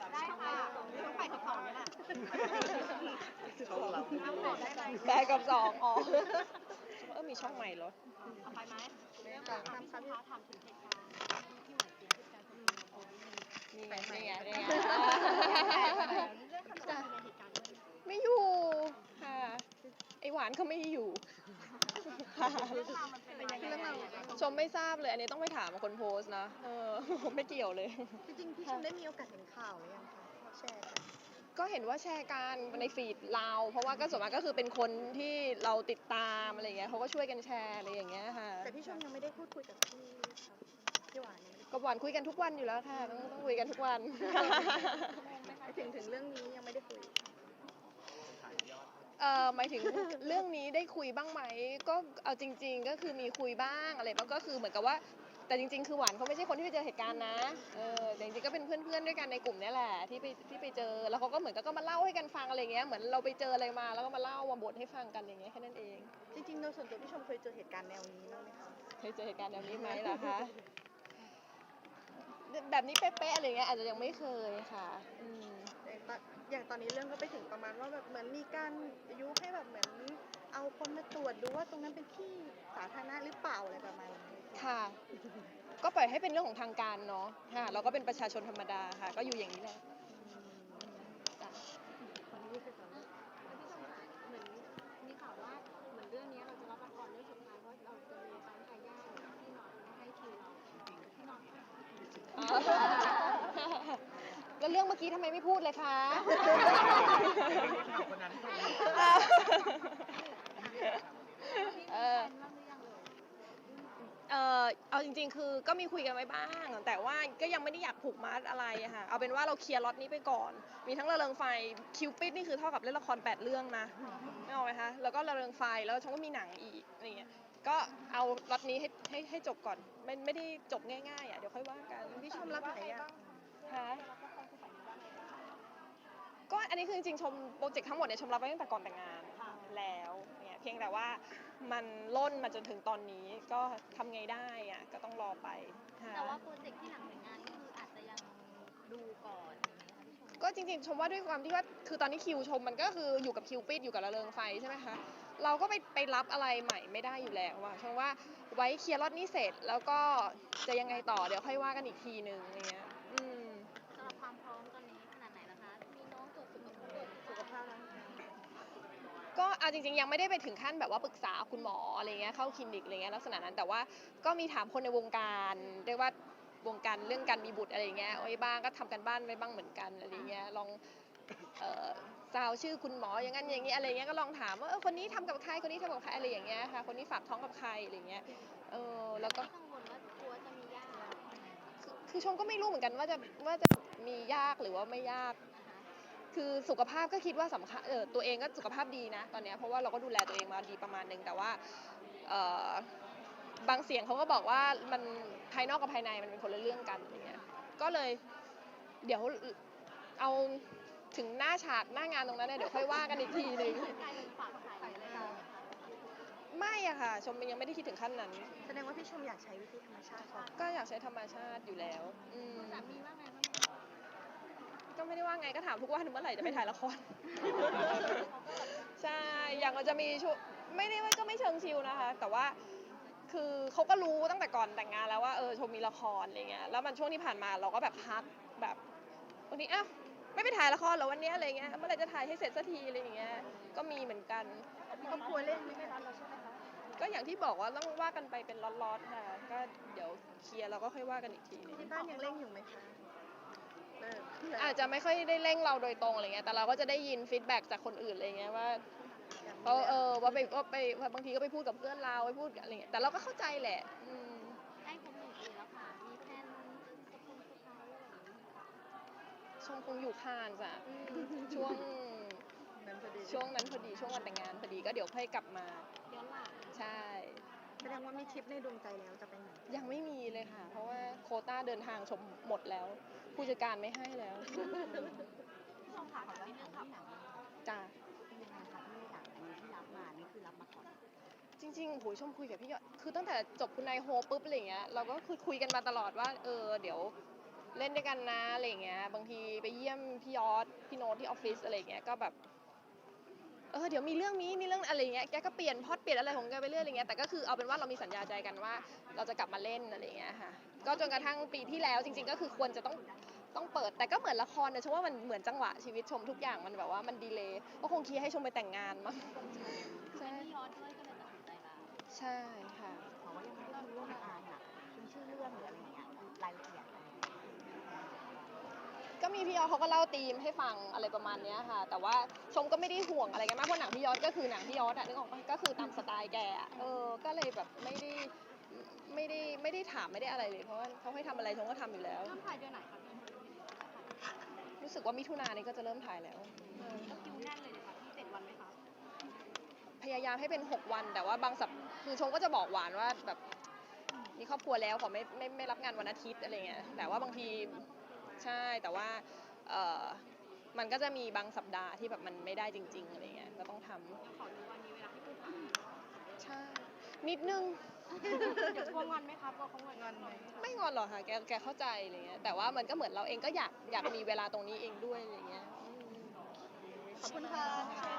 ได้ค่ะต้องไปกับสองนี่แหละช่องเราน้ำหอมได้ไหมแปดกับ2อ๋อมีช่องใหม่เหรอเอาไปไหมเรื่องของความสัมพันธ์ถามถึงเหตุการณ์ที่หวานเจี๊ยบที่การทำงานนี่ไงนี่ไงนี่ไงเรื่องคำสั่งในเหตุการณ์ด้วยไม่อยู่ค่ะไอหวานเขาไม่อยู่ค่ะเรื่องราวมันเป็นยังไงชมไม่ทราบเลยอันนี้ต้องไปถามคนโพสต์นะผมไม่เกี่ยวเลยจริงๆพี่ชมได้มีโอกาสเห็นข่าวหรือยังคะแชร์กันก็เห็นว่าแชร์กันในฟีดเราเพราะว่าก็ส่วนมากก็คือเป็นคนที่เราติดตามอะไรอย่างเงี้ยเขาก็ช่วยกันแชร์อะไรอย่างเงี้ยค่ะแต่พี่ชมยังไม่ได้พูดคุยกับพี่หวานยังไม่ได้กับหวานคุยกันทุกวันอยู่แล้วค่ะต้องคุยกันทุกวันถึงเรื่องนี้ยังไม่ได้คุยหมายถึงเรื่องนี้ได้คุยบ้างไหมก็เอาจริงๆก็คือมีคุยบ้างอะไรบ้างก็คือเหมือนกับว่าแต่จริงๆคือหวานเขาไม่ใช่คนที่ไปเจอเหตุการณ์นะแต่จริงๆก็เป็นเพื่อนๆด้วยกันในกลุ่มนี้แหละที่ไปเจอแล้วเขาก็เหมือนก็มาเล่าให้กันฟังอะไรเงี้ยเหมือนเราไปเจออะไรมาแล้วก็มาเล่ามาบ่นให้ฟังกันอย่างเงี้ยแค่นั้นเองจริงๆโดยส่วนตัวพี่ชมเคยเจอเหตุการณ์แนวนี้บ้างไหมคะเคยเจอเหตุการณ์แบบนี้ไหมล่ะคะแบบนี้เป๊ะๆอะไรเงี้ยอาจจะยังไม่เคยค่ะอย่างตอนนี้เรื่องก็ไปถึงประมาณว่าแบบเหมือนมีการยุให้แบบเหมือนเอาคนมาตรวจดูว่าตรงนั้นเป็นที่สาธารณะหรือเปล่าอะไรประมาณนี้ค่ะ ก็ปล่อยให้เป็นเรื่องของทางการเนาะค่ะเราก็เป็นประชาชนธรรมดาค่ะก็อยู่อย่างนี้แหละจ้ะพี่ชมคะเหมือนมีข่าวว่าเหมือนเรื่องนี้เราจะรับละครเรื่องสุดท้ายว่าเราจะมีปั๊มทายาทที่นอนให้คิวเราที่นอนแล้วเรื่องเมื่อกี้ทำไมไม่พูดเลยคะคนนั้นเอาจริงๆคือก็มีคุยกันไว้บ้างแต่ว่าก็ยังไม่ได้อยากผูกมัดอะไรอะค่ะเอาเป็นว่าเราเคลียร์ล็อตนี้ไปก่อนมีทั้งระเริงไฟคิวปิดนี่คือเท่ากับเล่นละคร8 เรื่องนะไม่เอาไหมคะแล้วก็ระเริงไฟแล้วฉันก็มีหนังอีกอะไรเงี้ยก็เอาล็อตนี้ให้จบก่อนไม่ได้จบง่ายๆอ่ะเดี๋ยวค่อยว่ากันพี่ชมรับไหนอ่ะคะก็อันนี้คือจริงๆชมโปรเจกต์ทั้งหมดเนี่ยชมรับไว้ตั้งแต่ก่อนแต่งงานแล้วเนี่ยเพียงแต่ว่ามันล่นมาจนถึงตอนนี้ก็ทำไงได้อ่ะก็ต้องรอไปค่ะแต่ว่าโปรเจกต์ที่หลังแต่งงานก็คืออาจจะยังดูก่อนอย่างนี้ค่ะพี่ชมก็จริงๆชมว่าด้วยความที่ว่าคือตอนนี้คิวชมมันก็คืออยู่กับคิวปิดอยู่กับระเริงไฟใช่ไหมคะเราก็ไปรับอะไรใหม่ไม่ได้อยู่แล้วอะชมว่าไว้เคลียร์ล็อตนี้เสร็จแล้วก็จะยังไงต่อเดี๋ยวค่อยว่ากันอีกทีนึงอะไรเงี้ยสำหรับความพร้อมตอนนี้ขนาดไหนล่ะคะมีน้องตรวจสุขภาพก็เอาจริงๆยังไม่ได้ไปถึงขั้นแบบว่าปรึกษาคุณหมออะไรเงี้ยเข้าคลินิกอะไรเงี้ยลักษณะนั้นแต่ว่าก็มีถามคนในวงการเรียกว่าวงการเรื่องการมีบุตรอะไรเงี้ยไว้บ้างก็ทำกันบ้านไว้บ้างเหมือนกันอะไรเงี้ยลองซาวชื่อคุณหมออย่างนั้นอย่างนี้อะไรเงี้ยก็ลองถามว่าคนนี้ทำกับใครคนนี้ทำกับใครอะไรอย่างเงี้ยค่ะคนนี้ฝากท้องกับใครอะไรเงี้ยแล้วก็กังวลว่ากลัวจะมียากคือชมก็ไม่รู้เหมือนกันว่าจะมียากหรือว่าไม่ยากคือสุขภาพก็คิดว่าสำคัญตัวเองก็สุขภาพดีนะตอนนี้เพราะว่าเราก็ดูแลตัวเองมาดีประมาณนึงแต่ว่าบางเสียงเขาก็บอกว่ามันภายนอกกับภายในมันเป็นคนละเรื่องกันอย่างเงี้ยก็เลยเดี๋ยวเอาถึงหน้าฉากหน้างานตรงนั้นเนี่ยเดี๋ยวค่อยว่ากันอีกทีนึงกลายเป็นฝากไข่เลยค่ะไม่อะค่ะชมยังไม่ได้คิดถึงขั้นนั้นแสดงว่าพี่ชมอยากใช้วิธีธรรมชาติก่อนก็อยากใช้ธรรมชาติอยู่แล้วสามีว่าไงบ้างก็ไม่ได้ว่าไงก็ถามทุกวันเมื่อไหร่จะไปถ่ายละคร ใช่อย่างเราจะมีช่วงไม่ได้ว่าก็ไม่เชิงชิลนะคะแต่ว่าคือเขาก็รู้ตั้งแต่ก่อนแต่งงานแล้วว่าชมมีละครอะไรเงี้ยแล้วมันช่วงที่ผ่านมาเราก็แบบพักแบบวันนี้ไม่ไปถ่ายละครเหรอวันนี้อะไรเงี้ยเมื่อไหร่จะถ่ายให้เสร็จสักทีอะไรอย่างเงี้ยก็มีเหมือนกันครอบครัวเล่นไม่ได้ร้อนเราใช่ไหมคะก็อย่างที่บอกว่าต้องว่ากันไปเป็นล็อตๆค่ะก็เดี๋ยวเคลียร์เราก็ค่อยว่ากันอีกทีนึงที่บ้านยังเล่นอยู่ไหมคะอาจจะไม่ค่อยได้เร่งเราโดยตรงอะไรเงี้ยแต่เราก็จะได้ยินฟีดแบ็กจากคนอื่นอะไรเงี้ยว่าว่าบางทีก็ไปพูดกับเพื่อนเราไปพูดอะไรเงี้ยแต่เราก็เข้าใจแหละใกล้ครบ1 ปีแล้วค่ะมีแพลนจะคงสุดท้ายอะไรอย่างนี้ชมคงอยู่คานจ้ะช่วงนั้นพอดีช่วงวันแต่งงานพอดีก็เดี๋ยวค่อยกลับมาย้อนหลังใช่แสดงว่ามีทริปในดวงใจแล้วจะไปไหนยังไม่มีเลยค่ะเพราะว่าโควต้าเดินทางชมหมดแล้วผู้จัดการไม่ให้แล้วพี่ชมถามว่าเรื่องขับหนังจ้ะเป็นยังไงคะที่หนังอันนี้ที่รับมานี่คือรับมาก่อนจริงๆโหยชมคุยกับพี่ยอดคือตั้งแต่จบคุณนายโฮปุ๊บอะไรเงี้ยเราก็คุยกันมาตลอดว่าเดี๋ยวเล่นด้วยกันนะอะไรอย่างเงี้ยบางทีไปเยี่ยมพี่ยอดพี่โน้ตที่ออฟฟิศอะไรอย่างเงี้ยก็แบบเดี๋ยวมีเรื่องนี้มีเรื่องอะไรอย่างเงี้ยแกก็เปลี่ยนพล็อตเปลี่ยนอะไรของแกไปเรื่อยอะไรเงี้ยแต่ก็คือเอาเป็นว่าเรามีสัญญาใจกันว่าเราจะกลับมาเล่นอะไรอย่างเงี้ยค่ะก็จนกระทั่งปีที่แล้วจริงๆก็คือควรจะต้องเปิดแต่ก็เหมือนละครนะชมว่ามันเหมือนจังหวะชีวิตชมทุกอย่างมันแบบว่ามันดีเลย์ก็คงคิดให้ชมไปแต่งงานมั้งใช่พี่ยอดด้วยก็เลยตัดสินใจลาใช่ค่ะเพราะว่ายังไม่ได้รู้เรื่องงานอ่ะเป็นชื่อเรื่องหรืออะไรอย่างเงี้ยรายละเอียดอะไรก็มีพี่ยอดเขาก็เล่าธีมให้ฟังอะไรประมาณเนี้ยค่ะ แต่ว่าชมก็ไม่ได้ห่วงอะไรกันมากเพราะหนังพี่ยอดก็คือหนังพี่ยอดอะนึกออกปะก็คือตามสไตล์แกอะก็เลยแบบไม่ได้ถามไม่ได้อะไรเลยเพราะว่าเขาให้ทำอะไรชมก็ทำอยู่แล้วเริ่มถ่ายเดือนไหนคะพี่รู้สึกว่ามิถุนายนนี้ก็จะเริ่มถ่ายแล้วก็คิวแน่นเลยนะคะที่7 วันไหมคะพยายามให้เป็น6 วันแต่ว่าบางสัปคือชมก็จะบอกหวานว่าแบบมีครอบครัวแล้วขอไม่รับงานวันอาทิตย์อะไรเงี้ยแต่ว่าบางทีใช่แต่ว่ามันก็จะมีบางสัปดาห์ที่แบบมันไม่ได้จริงๆอะไรเงี้ยก็ต้องทำยังขอรู้วันนี้เวลาให้พูดถามใช่นิดนึงเดี๋ยวกลัวงอนไหมคะกลัวเขางอนไหมไม่งอนหรอกค่ะแกเข้าใจอะไรเงี้ยแต่ว่ามันก็เหมือนเราเองก็อยากมีเวลาตรงนี้เองด้วยอะไรเงี้ยขอบคุณค่ะ